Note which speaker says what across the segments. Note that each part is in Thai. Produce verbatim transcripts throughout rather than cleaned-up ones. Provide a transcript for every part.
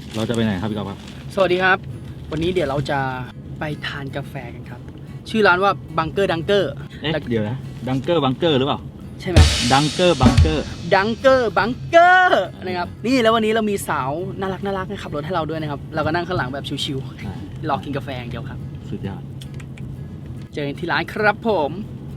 Speaker 1: เราจะไปไหนครับพี่กอล์ฟครับ
Speaker 2: สวัสดีครับวันนี้เดี๋ยวเราจะไปทานกาแฟกันครับชื่อร้านว่าบังเกอร์ดังเกอร์
Speaker 1: เอ๊ะเดี๋ยวนะดังเกอร์บังเกอร์หรือเปล่า
Speaker 2: ใช่ไหม
Speaker 1: ดังเกอร์บังเกอร์
Speaker 2: ดังเกอร์บังเกอร์นะครับนี่แล้ววันนี้เรามีสาวน่ารักน่ารักขับรถให้เราด้วยนะครับเราก็นั่งข้างหลังแบบชิวๆรอกินกาแฟอย่างเดียวครับ
Speaker 1: สุดยอด
Speaker 2: เจอกันที่ร้านครับผม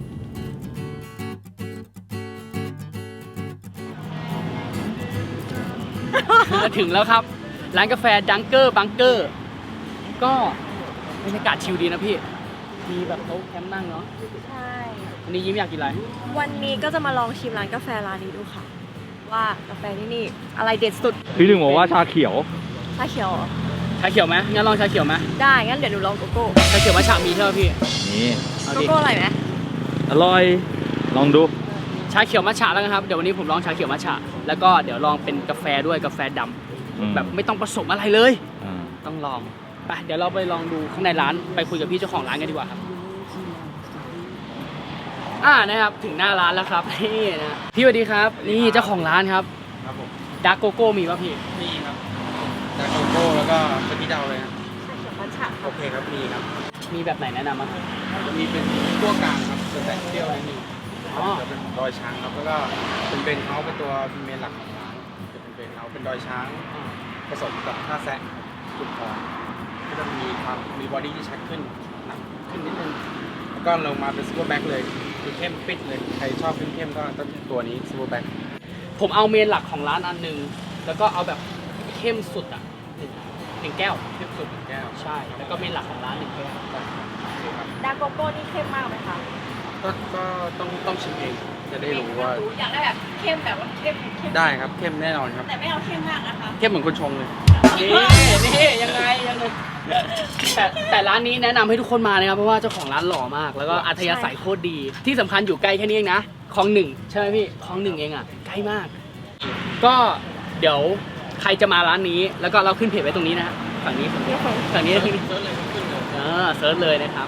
Speaker 2: มาถึงแล้วครับร้านกาแฟดังเกอร์บังเกอร์ก็บรรยากาศชิลดีนะพี่มีแบบโต๊ะแคมป์นั่งเนาะ
Speaker 3: ใช่
Speaker 2: วันนี้ยิ้มอยากกินอะไร
Speaker 3: วันนี้ก็จะมาลองชิมร้านกาแฟร้านนี้ดูค่ะว่ากาแฟที่นี่อะไรเด็ดสุด
Speaker 1: พี่หนึ่งบอกว่าชาเขียว
Speaker 3: ชาเขียวเหรอ
Speaker 2: ชาเขียวไหมงั้นลองชาเขียวไหม
Speaker 3: ได้งั้นเดี๋ยวหนูลองโกโก้
Speaker 2: ชาเขียวมัทฉะมีใช่ไหมพี่
Speaker 1: นี่
Speaker 3: โกโก้อะไรไหม
Speaker 1: อร่อยลองดู
Speaker 2: ชาเขียวมัทฉะแล้วนะครับเดี๋ยววันนี้ผมลองชาเขียวมัทฉะแล้วก็เดี๋ยวลองเป็นกาแฟด้วยกาแฟดำแบบไม่ต้องผสมอะไรเลยต้องลองไปเดี๋ยวเราไปลองดูข้างในร้านไปคุยกับพี่เจ้าของร้านกันดีกว่าครับอ่านะครับถึงหน้าร้านแล้วครับนี่นะพี่สวัสดีครับนี่เจ้าของร้านครับ
Speaker 4: ครับผม
Speaker 2: ดาร์กโกโก้มีป่ะพี่
Speaker 4: มีครับดาร์กโกโก้แล้วก็สกีดาวเลยนะ
Speaker 3: มัทฉะ
Speaker 4: โอเคครับมีครับ
Speaker 2: มีแบบไหนแนะนำมั้ง
Speaker 4: มีเป็นตัวกลางครับจะแต่เปรี้ยวนิดนึง
Speaker 2: อ๋อ
Speaker 4: จะเป็นดอยช้างครับแล้วก็เป็นเบนเขาเป็นตัวเมนหลักของร้านจะเป็นเบนเขาเป็นดอยช้างผสมกับท่าแซะจุดอ่อนก็จะมีความมีบอดี้ที่ชัดขึ้นหนักขึ้นนิดนึงแล้วก็ลงมาเป็นซูเปอร์แบ็คเลยคือเข้มปิดเลยใครชอบเข้มๆก็ต้องตัวนี้ซูเปอร์แบ็ค
Speaker 2: ผมเอาเมนหลักของร้านอันนึงแล้วก็เอาแบบเข้มสุดอ่ะหนึ่งแก้ว
Speaker 4: เข้มสุดหนึ่งแก้ว
Speaker 2: ใช่แล้วก็เมนหลักของร้านหนึ่งแก้ว
Speaker 3: ดาร์กโกโก้นี่เข้มมากไหมคะ
Speaker 4: ก็ก็ต้องต้องชิมเองจะได้รู้ว่า
Speaker 3: อยากได้แบบเข้มแบบว่าเข้มเข้ม
Speaker 4: ได้ครับเข้มแน่นอนครับ
Speaker 3: แต่ไม่เอาเข้มมากนะคะ
Speaker 4: เข้มเหมือนคนชงเลย
Speaker 2: นี่นี่ยังไงยังไงแต่แต่ร้านนี้แนะนำให้ทุกคนมานะครับเพราะว่าเจ้าของร้านหล่อมากแล้วก็อัธยาศัยโคตรดีที่สำคัญอยู่ใกล้แค่นี้เองนะคลองหนึ่งใช่ไหมพี่คลองหนึ่งเองอ่ะใกล้มากก็เดี๋ยวใครจะมาร้านนี้แล้วก็เราขึ้นเพจไว้ตรงนี้นะฝั่งนี้ฝั่งนี้ฝั่งนี้เซิร์ชเลยขึ้นเลยเออเซิร์ชเลยนะครับ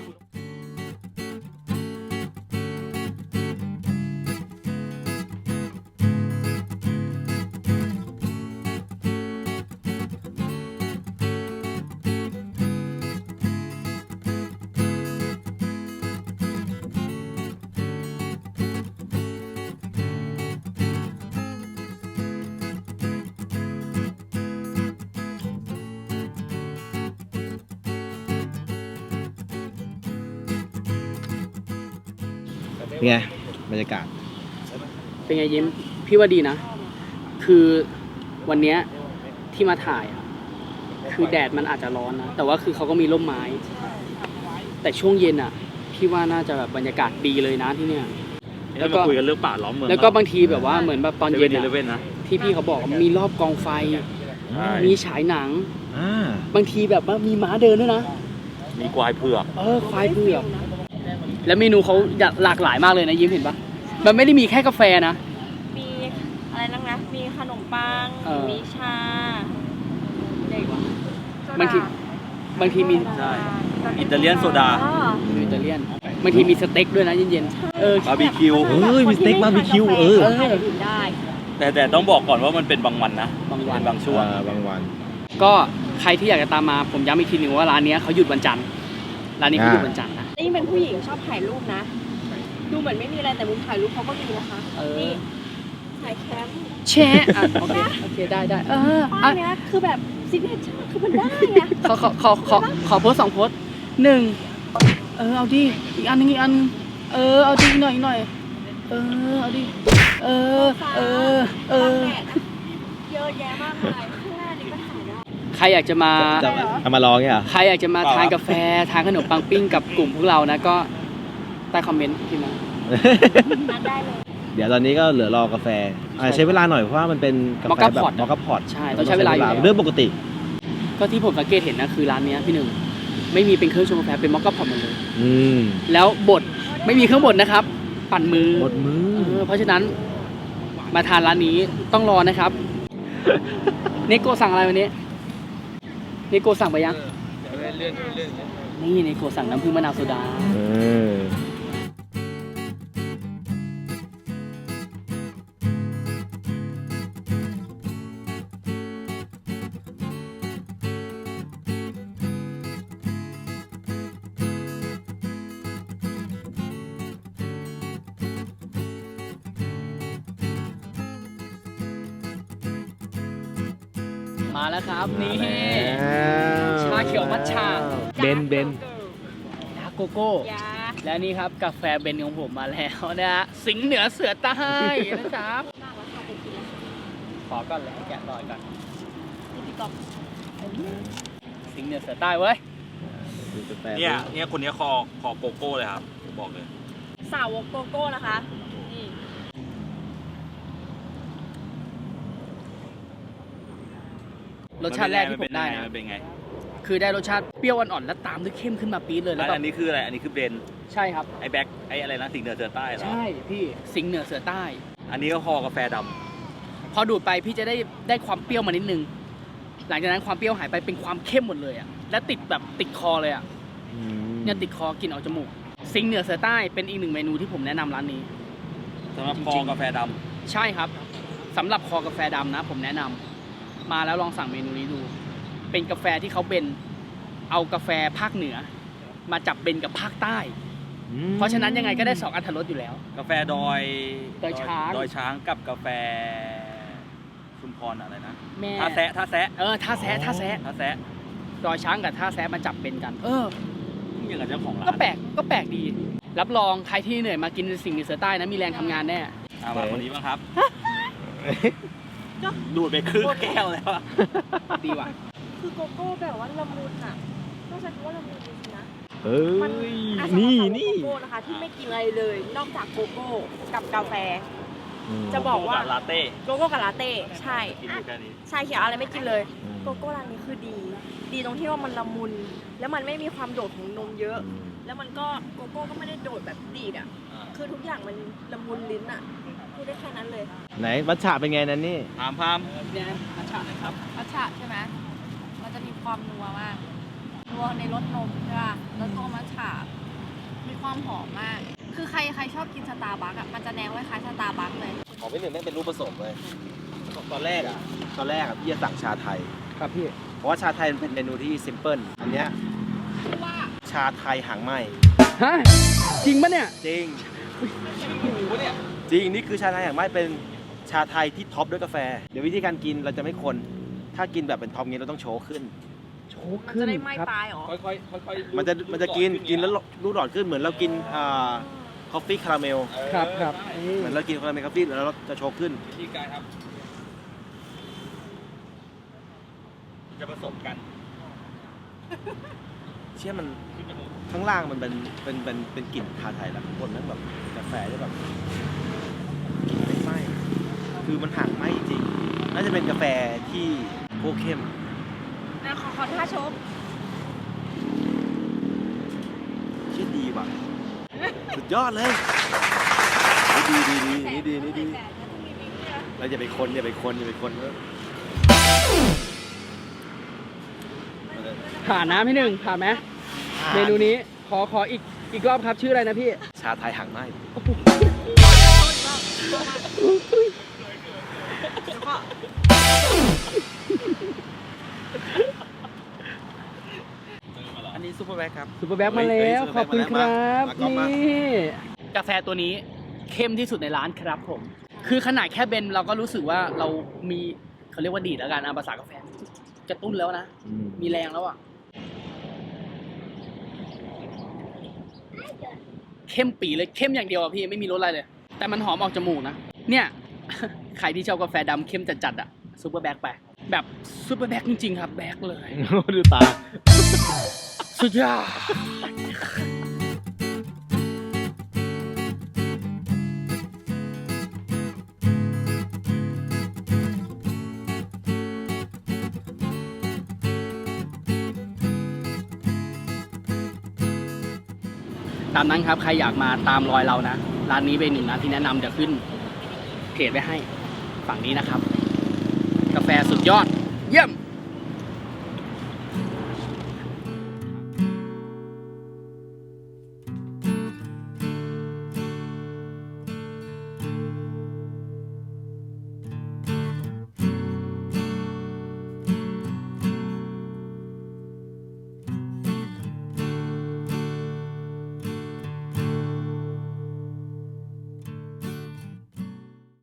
Speaker 1: ไงบรรยากาศ
Speaker 2: เป็นไงยิ้มพี่ว่าดีนะคือวันนี้ที่มาถ่ายคือแดดมันอาจจะร้อนนะแต่ว่าคือเขาก็มีร่มไม้แต่ช่วงเย็นอ่ะพี่ว่าน่าจะแบบบรรยากาศดีเลยนะที่เนี่ย
Speaker 1: แล้วก็คุยกันเรื่องป่าล้อมเมือง
Speaker 2: แล้วก็บางทีแบบว่าเหมือนแบบตอนเย็นนะที่พี่เขาบอกมีรอบกองไฟมีฉายหนังบางทีแบบว่ามีม้าเดินด้วยนะ
Speaker 1: มีควายเผือก
Speaker 2: เออควายเผือกแล้วเมนูเขาหลากหลายมากเลยนะยิ้มเห็นปะมันไม่ได้มีแค่กาแฟนะ
Speaker 3: มีอะไรนั่งนะมีขนมปังมีชาเด็กวะ
Speaker 2: บางทีบางทีมี
Speaker 1: อิตาเลียนโซดา
Speaker 2: อิตาเลียนบางทีมีสเต็กด้วยนะเย็นๆเออบ
Speaker 1: าร์บีคิวเออมีสเต็กบาร์บีคิวเออ
Speaker 3: ได้
Speaker 1: แต่แต่ต้องบอกก่อนว่ามันเป็นบางวันนะ
Speaker 2: บางวัน
Speaker 1: บางช่วงบางวัน
Speaker 2: ก็ใครที่อยากจะตามมาผมย้ำอีกทีหนึ่งว่าร้านนี้เขาหยุดวันจันทร์ร้านนี้เขาหยุดวันจันทร์นะ
Speaker 3: นี่เป็นผู้หญิงชอบถ่ายรูปนะดูเหมือนไม่มีอะไรแต่มุมถ่ายรูปเขาก็มีนะคะนี่ถ่ายแคมป์
Speaker 2: แชร์โอเคโอเคได้ได้เออ
Speaker 3: อันนี้คือแบบซิกเนเจอร์คือมันได้ไง
Speaker 2: ขอขอขอขอขอโพสสองโพสหนึ่งเออเอาดิอีกอันนึงอีกอันเออเอาดิหน่อยหน่อยเออเอาดิเออเออเออ
Speaker 3: เยอะแยะมากมายข้างหน้านี่ก็ถ่ายได้
Speaker 2: ใครอยากจะมา
Speaker 1: จะมาลองเนี่ย
Speaker 2: ใครอยากจะมาทานกาแฟทานขนมปังปิ้งกับกลุ่มพวกเรานะก็ใต้คอมเมนต์พิมพ์มา
Speaker 3: ได้เลย
Speaker 1: เดี๋ยวตอนนี้ก็เหลือรอกาแฟใช้เวลาหน่อยเพราะว่ามันเป็นกาแฟแบบมอคค่าพอต
Speaker 2: ใช่ต้องใช้เวลาอยู่
Speaker 1: เรื่องปกติ
Speaker 2: ก็ที่ผมสังเกตเห็นนะคือร้านนี้พี่หนึ่งไม่มีเป็นเครื่องชงกาแฟเป็นมอคค่าพอตหมดเลยแล้วบดไม่มีเครื่องบดนะครับปั่นมือบ
Speaker 1: ดมือ
Speaker 2: เพราะฉะนั้นมาทานร้านนี้ต้องรอนะครับเนโกสั่งอะไรวันนี้เนโกสั่งไปยังนี่เนโกสั่งน้ำผึ้งมะนาวโซดามาแล้วครับนี่
Speaker 1: มาแล้ว
Speaker 2: ชาเขียวมัทฉะ
Speaker 1: เบนเบน
Speaker 2: ดาร์กโกโก้
Speaker 3: ยา
Speaker 2: และนี่ครับกาแฟเบนของผมมาแล้วนะฮะสิงห์เหนือเสือใต้นะครับ
Speaker 3: น่ารักค่ะเป็นกินแล้ว
Speaker 2: ขอก่อนเลยแกะรอยก่อน
Speaker 3: นี่พี่กอบ
Speaker 2: สิงห์เหนือเสือใต้เว้ย
Speaker 5: เนี่ยเนี่ยคนเนี้ยคอคอโกโก้เลยครับผมบอกเลย
Speaker 3: สาวกโกโก้นะคะนี่
Speaker 2: รสชาติแรกที่ผมได้นะ
Speaker 5: มันเป็นไง
Speaker 2: คือได้รสชาติเปรี้ยวอ่อนๆแล้วตามด้วยเข้มขึ้นมาปี๊ดเลย
Speaker 5: แล้
Speaker 2: แล้ว วแบ
Speaker 5: อั
Speaker 2: บ
Speaker 5: นนี้คืออะไรอันนี้คือเบน
Speaker 2: ใช่ครับ
Speaker 5: ไอ้แบ็คไอ้อะไรนะสิงห์เหนือเสือใต้เหรอ
Speaker 2: ใช่พี่สิงห์เหนือเสือใต้
Speaker 5: อันนี้ก็คอกาแฟดำ
Speaker 2: พอดูดไปพี่จะได้ได้ความเปรี้ยวมานิดนึง หลังจากนั้นความเปรี้ยวหายไปเป็นความเข้มหมดเลยอ่ะและติดแบบติดคอเลยอ่ะเนี่ยติดคอกลิ่นออกจมูกสิงห์เหนือเสือใต้เป็นอีกหนึ่งเมนูที่ผมแนะนำร้านนี้
Speaker 5: สำหรับ
Speaker 2: จริงๆ
Speaker 5: คอกาแฟด
Speaker 2: ใช่ครับสำหรับคอกาแฟดำนะ ผมแนะนำมาแล้วลองสั่งเมนูนี้ดู เป็นกาแฟที่เขาเบนเอากาแฟภาคเหนือ มาจับเบนกับภาคใต้ เพราะฉะนั้นยังไงก็ได้สองอรรถรสอยู่แล้ว
Speaker 5: ำกาแฟดอย
Speaker 2: ดอยช้าง
Speaker 5: ดอยช้างกับกาแฟชุมพรอะไรนะ
Speaker 2: แม่
Speaker 5: ท่าแซะท่าแซะ
Speaker 2: เออท่าแซะท่าแซะ
Speaker 5: ท่าแซะ
Speaker 2: ดอยช้างกับท่าแซะมาจับเบนกัน เออ
Speaker 5: อย่างกับเจ้าของร้า
Speaker 2: ก็
Speaker 5: น
Speaker 2: แปลกก็แปลกดี รับรองใครที่เหนื่อยมากินสิ่งเหนือเสือใต้นะมีแรงทำงานแน่
Speaker 5: อ่ามาคนนี้บ้างครับดูดไปครึ่งแก้วแล้วอะ
Speaker 2: ดีว่ะ
Speaker 3: คือโกโก้แบบว่าละมุนอ่ะต้องใช้คำว่าละมุนจริงๆนะ
Speaker 1: เฮ้ย
Speaker 3: มันอ่ะ
Speaker 1: นี่
Speaker 3: สำหรับ
Speaker 1: นี่
Speaker 3: โกโก้นะคะที่ไม่กินอะไรเลย นอกจากโกโก้กับกาแฟ จะบอกว่า
Speaker 5: ลาเต้
Speaker 3: โกโก้กับลาเต้ใช่
Speaker 5: กินอยู่แค่นี้
Speaker 3: ชาเขียวอะไรไม่กินเลย โกโก้ร้านนี้คือดี ดีตรงที่ว่ามันละมุน แล้วมันไม่มีความโดดของนมเยอะ แล้วมันก็โกโก้ก็ไม่ได้โดดแบบดีดอ่ะ คือทุกอย่างมันละมุนลิ้นอ่ะพูดได้แค่นั้นเลย
Speaker 1: ไหนมัทฉะเป็นไงนั่นนี่
Speaker 5: ถามพาม
Speaker 2: เนี่ยอาชาหน่อยครับ
Speaker 6: มัทฉะใช่ไหมมันจะมีความนัวมาก นัวในรสนมใช่ป่ะ แล้วตัวมัทฉะมีความหอมมาก คือใครใครชอบกินสตาร์บัคอะมันจะแนวคล้ายๆสตาร์บัคเลย
Speaker 1: ของพี่หนึ่งไม่เป็นรูปผสมเลย ตอนแรกอ่ะ ตอนแรกอ่ะพี่จะสั่งชาไทย
Speaker 2: ครับพี่
Speaker 1: เพราะว่าชาไทยมันเป็นเมนูที่ซิมเพิลอันเนี้ย
Speaker 6: ว่า
Speaker 1: ชาไทยหางไหม
Speaker 2: ฮะ จริงปะเนี่ย
Speaker 1: จริงจริง นี่คือชาไทยหางไหมเป็นชาไทยที่ท็อปด้วยกาแฟ เดี๋ยววิธีการกินเราจะไม่คน ถ้ากินแบบเป็นท็อปงี้เราต้องโชว์ขึ้น
Speaker 2: โชก
Speaker 3: มัน
Speaker 2: ขึ้
Speaker 3: จะ
Speaker 2: น
Speaker 3: ได้ไม่
Speaker 2: ครับ
Speaker 3: ตายหรอ
Speaker 5: ค่อยๆค่อยๆ
Speaker 1: มันจะมันจะกินกินแล้วลูกหลอดขึ้นเหมือนเรากินอ่าคอฟฟี่คาราเมล
Speaker 2: ครับครับ
Speaker 1: เหมือนเรากินคาราเมลคอฟฟี่แล้วเราจะโชว์ขึ้น
Speaker 5: วิธีการครับ จะผสมกัน
Speaker 1: เชื่อมันข้างล่างมันเป็นเป็นเป็นเป็นกลิ่นชาไทยแล้วข้างบนนั้นแบบกาแฟที่แบบกลิ่นไม่ไหม้คือมันห่างไหม้จริงน่าจะเป็นกาแฟที่โคตรเข้ม
Speaker 3: นะขอขอท่าชม
Speaker 1: เชื่อดีว่ะสุดยอดเลยดีดีดีนี่ดีนี่ดีเราอย่าไปคนอย่าไปคนอย่าไปคนเออ
Speaker 2: ผ่านนะพี่หนึ่งผ่านไหมเมนูนี้ขอขออีกอีกรอบครับชื่ออะไรนะพี่
Speaker 1: ชาไทยห่างไหม้ อันนี้ซูเปอร์แบ็คครับ
Speaker 2: ซุปเปอร์แบ็คมาแล้ว
Speaker 1: เฮ้ย
Speaker 2: ขอบคุณครับ
Speaker 1: มามามา
Speaker 2: นี่กาแฟตัวนี้เข้มที่สุดในร้านครับผม คือขนาดแค่เบนเราก็รู้สึกว่าเรามีเขาเรียกว่าดีดแล้วกันอาภาษากาแฟกระตุ้นแล้วนะ มีแรงแล้วอ่ะ เข้มปีเลยเข้มอย่างเดียวอ่ะพี่ไม่มีรสอะไรเลย แต่มันหอมออกจมูกนะ เนี่ย ใครที่ชอบกาแฟดำเข้มจัดๆอ่ะซูเปอร์แบ็คไป แบบซูเปอร์แบ็คจริงๆครับแบ็คเลย
Speaker 1: ดูตา
Speaker 2: สุดยอดตามนั้นครับใครอยากมาตามรอยเรานะ ร้านนี้เป็นหนึ่งร้านที่แนะนำเดี๋ยวขึ้นเพจไว้ให้ฝั่งนี้นะครับ กาแฟสุดยอด เยี่ยม